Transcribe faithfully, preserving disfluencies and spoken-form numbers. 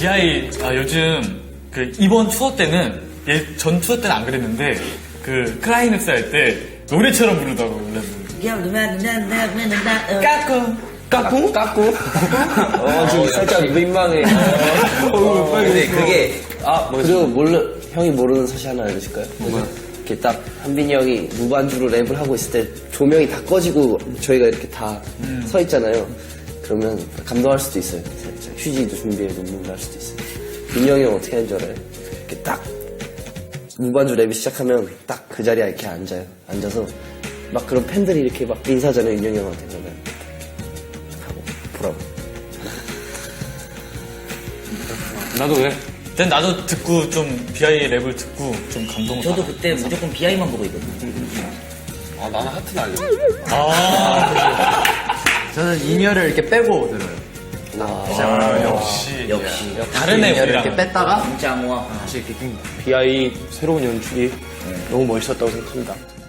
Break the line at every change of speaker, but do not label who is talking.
비아이 아, 요즘 그 이번 투어 때는 예, 전 투어 때는 안 그랬는데 그 클라이맥스 할 때 노래처럼 부르더라고요. 까꿍
까꿍? 까꿍? 어, 지금 살짝 민망해. 어, 근데 그게, 아, 그리고 몰라, 형이 모르는 사실 하나 알려줄까요? 뭐야? 이렇게 딱, 한빈이 형이 무반주로 랩을 하고 있을 때 조명이 다 꺼지고 저희가 이렇게 다 서 있잖아요. 그러면 감동할 수도 있어요. 살짝 휴지도 준비해서 눈물 날 수도 있어요. 민이 형이 형 어떻게 하는 줄 알아요? 이렇게 딱, 무반주 랩이 시작하면 딱 그 자리에 이렇게 앉아요. 앉아서 막 그런 팬들이 이렇게 막 인사잖아요, 윤영이 형한테. 그러면. 보라고.
나도 왜? 근데 나도 듣고 좀 비아이 랩을 듣고 좀 감동.
저도 그때 무조건 비아이만 보고 있거든요.
아, 나는 하트 날려.
아,
저는 인이어를 이렇게 빼고 들어요.
아 역시
역시.
다른 애
인이어를
우리랑.
이렇게 뺐다가
진짜 와.
다시 이렇게 낀 거.
비아이 새로운 연출이 너무 멋있었다고 생각합니다.